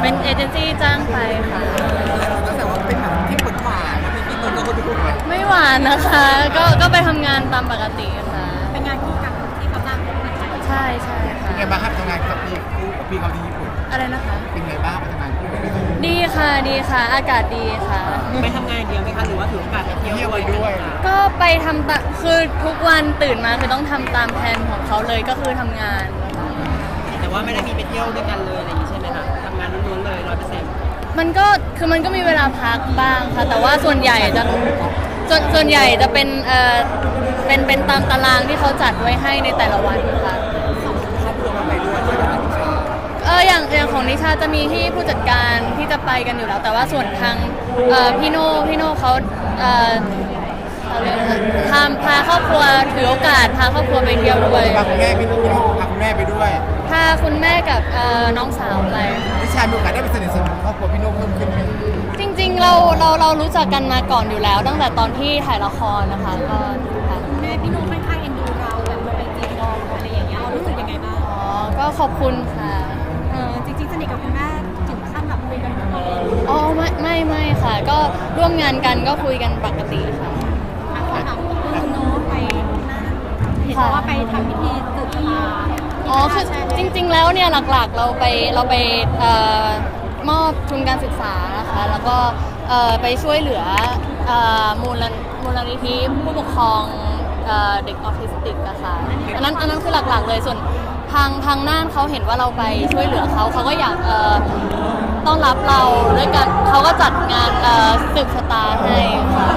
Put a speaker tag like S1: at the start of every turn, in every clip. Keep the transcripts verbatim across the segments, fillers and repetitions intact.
S1: เป็นเอเจนซี่จ้างไปค่ะ
S2: แต่ว่าเป็นแบบที่ผลหวานมีพี่นุ่นก็ดู
S1: ไม่หวานนะคะก็ก็ไปทำงานตามปกติค่ะ
S3: เป็นงานคู่กันที่เขาจ้างคนไทย
S1: ใช่ใช่ค่ะ
S2: เป็นไงบ้างครับทำงานกับพี่คู่กับพี่เขาที่ญี่ปุ่น
S1: อะไรนะคะ
S2: เป็นไงบ้างไปทำงานคู่กับพี่
S1: ดีค่ะดีค่ะอากาศดีค่ะ
S3: ไปทำงานเดียวไหมคะหรือว่าถือโอกาสไปเที่ยวด้วยค่ะ
S1: ก็ไปทำตาคือทุกวันตื่นมาคือต้องทำตามแผนของเขาเลยก็คือทำงาน
S3: แต่ว่าไม่ได้มีไปเที่ยวด้วยกันเลยอะไรอย่างนี้ใช่ไหมคะทำงานล้วนๆเลยร้อยเปอร์เซ็นต์
S1: มันก็คือมันก็มีเวลาพักบ้างค่ะแต่ว่าส่วนใหญ่จะส่วนส่วนใหญ่จะเป็นเอ่อเป็นเป็นตามตารางที่เขาจัดไว้ให้ในแต่ละวันค่ะ
S2: ครอบครัวมาไปด้วยใช่ไหมครับ
S1: เอออย่างอย่างของนิชาจะมีที่ผู้จัดการที่จะไปกันอยู่แล้วแต่ว่าส่วนทางเอ่อพี่โน่พี่โน่เขาเอ่อพาพาครอบครัวถือโอกาสพาครอบครัวไปเที่ยวด้วย
S2: พาคุณแม่พี่นุ่นพาคุณแม่ไปด้วย
S1: พาคุณแม่กับเอ่อน้องสาวไป
S2: นิชามีโอกาสได้ไปสนิทสนมครอบครัวพี่นุ่นเพิ่มขึ้นไหม
S1: จริงๆเราเราเรารู้จักกันมาก่อนอยู่แล้วตั้งแต่ตอนที่ถ่ายละครนะคะก็
S3: แม่พี่นุ่นค่อนข้างเอ็นดูเราแบบไปจีนกองอะไรอย่างเงี้ยเรารู้สึกยังไงบ้าง
S1: อ๋อก็ขอบคุณค่ะ
S3: เออจริงๆสนิทกับคุณแม่ถึงขั้นแบบคุยกันทุกวันเลย
S1: อ๋อไม่ไม่ไม่ค่ะก็ร่วมงานกันก็คุยกันปกติค่ะ
S3: ถามคุณโน้ตไปนั่นเห็นว่าไปทำพิธีสืบชะตา
S1: อ๋อคือจริงๆแล้วเนี่ยหลักๆเราไปเราไปเอ่อมอบทุนการศึกษานะคะแล้วก็เอ่อไปช่วยเหลือเอ่อมูลมูลนิธิผู้ปกครองเอ่อเด็กออทิสติกอะค่ะอันนั้นอันนั้นคือหลักๆเลยส่วนทางทางน่านเขาเห็นว่าเราไปช่วยเหลือเขาเขาก็อยากเอ่อต้อนรับเราด้วยกันเขาก็จัดงานเอ่อสืบชะตาให้ค่ะ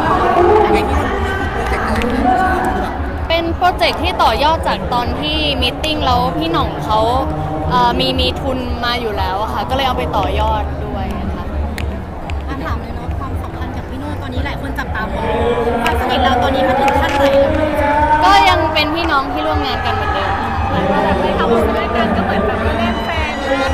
S1: เป็นโปรเจกต์ที่ต่อยอดจากตอนที่มีตติ้งแล้วพี่หน่องเขาเอ่อมีมีทุนมาอยู่แล้วอะค่ะก็เลยเอาไปต่อยอดด้วยค่ะ
S3: อันถามเลยเนาะความสัมพันธ์กับพี่โน่ตอนนี้หลายคนจับตามองความสนิทเราตอนนี้มาถึงขั้นไหน
S1: ก็ยังเป็นพี่น้องที่ร่วมงานกันเหมือนเดิม
S3: แบบไปทำบุญด้วยกันก็เหมือนแบบเล่นแฟนแบบ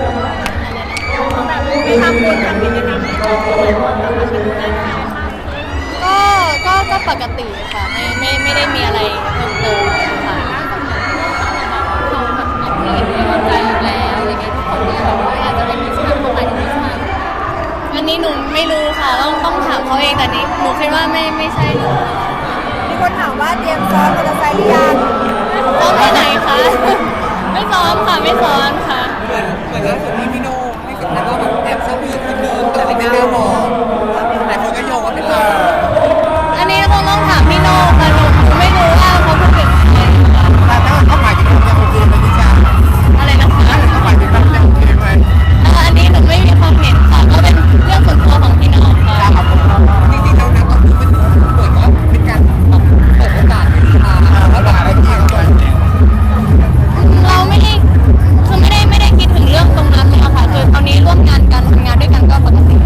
S3: ไปทำบุญทำกิจกรรมด้วยกันเหมือนแบบมาเป็นเล่นแฟนมาก
S1: ก็ก็ก็ปกติค่ะไม่ไม่ไม่ได้มีอะไรเพิ่มเติมค่ะเขาแบบมีที่มั่นใจอยู่แล้วอะไรเงี้ยทุกคนก็เลยแบบว่าอาจจะเป็นมิชชั่นของใครที่มิชชั่นอันนี้หนูไม่รู้ค่ะต้องต้องถามเขาเองแต่นี้หนูคิดว่าไม่ไม่ใช่หนู
S3: มีคนถามว่าเตรียมซ้อมมอเตอร์ไซค์หรือยัง
S1: ซ้อมที่ไหนคะไม่ซ้อมค่ะไม่ซ้อมค่ะ
S2: เหมือนเหมือนล่าสุดที่พี่โน่ให้สัมภาษณ์ว่าแบบแอบชอบผู้หญิงคนนึงแต่ไม่กล้าบอกแต่คนก็โยงว่าเป็นเรา
S1: อันนี้คงต้องถามพี่โน่ค่ะหนูไม่รู้ว่าเขาพูดถึงใครค่ะ
S2: แต่ถ้าเขาหมายถึงเราโอเคไหมนิชา
S1: อะไรนะคะ
S2: เขาหมายถึงเราโอเคไหม
S1: อันนี้หนูไม่มีความเห็นค่ะก็เป็นเรื่องส่วนตัวของพี่น้องค่ะ
S2: จริงๆแล้วนะก็คือเป็นเปิดว่าเป็นการแบบเปิดโอกาสให้นิชาแล้วด่าอะไรพี่เขาด้วย
S1: เราไม่ได้คือไม่ได้ไม่ได้คิดถึงเรื่องตรงนั้นเลยค่ะคือตอนนี้ร่วมงานกันทำงานด้วยกันก็ปกติ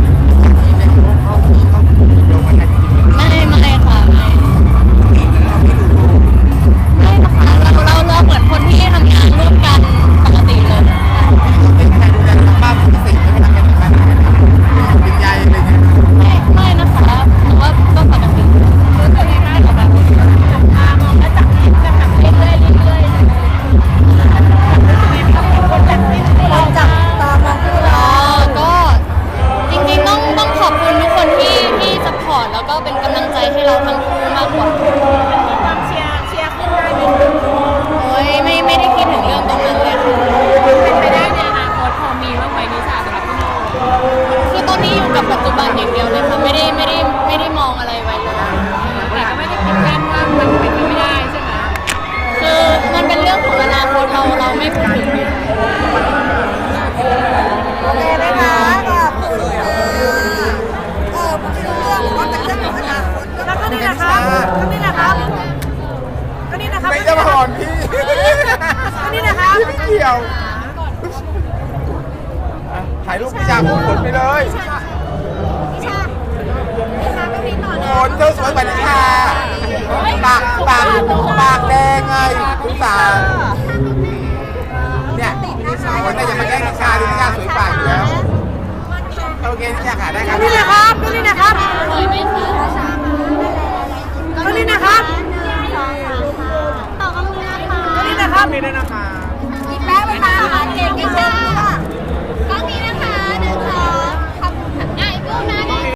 S1: ไม่ไม่ค่ะไม่ไม่นะคะเราเราเราเหมือนคนที่ทำงานร่วมกันปกติเลย
S2: เป็นใครดูแลทางบ้านพิเศษไม่ทำงานทางบ้านเป็นใหญ่อะไรเงี้ย
S1: ไม่ไม่นะคะแต่ว่าก็ปกติคือตัวเองได้กับแบบจับตามองและจับแบบแบบเรื่อยๆเรื่อยๆ
S3: เราจับตามองคู่เรา
S1: อ๋อก็จริงๆต้องต้องขอบคุณทุกคนที่ที่ซัพพอร์ตแล้วก็เป็นกำลังใจให้เราทั้งคู่มากกว่า
S3: ความเชียร์เชียร์ขึ้นได้ไหม
S1: โอ้ยไม่ไม่ได้คิดถึงเรื่องตรงนั้นเลยค่ะ
S3: เป็นไปได้ในอนาคตพอมีบ้างไหมนิชาสำหรับพี่โน่
S1: คือตอนนี้อยู่กับปัจจุบันอย่างเดียวเลยค่ะไม่ได้ไม่ได้ไม่ได้มองอะไรไว้เลย
S3: แต่ก็ไม่ได้ปิดกั้นว่ามันเป็นไปไม่ได้ใช่ไหม
S1: คือมันเป็นเรื่องของอนาคตเราเราไม่พูดถึง
S3: โอเคไหมคะขอบคุณค่ะเออพูดถึงเรื่องว่าเป็นเรื่องของอนาคตแล้วก็นี่นะครับก็นี่นะครับก็นี่นะครับ
S2: ไม่จะผ่อนพี่
S3: ก็นี่นะครับ
S2: ไม่เกี่ยวถ่ายรูปนิชาผลไปเลย
S3: นิชานิชาก็มีต่อนะ
S2: ผลเธอสวยกว่านิชาปากปากปากแดงไงคุณสาวเนี่ยคนน่าจะมาแก้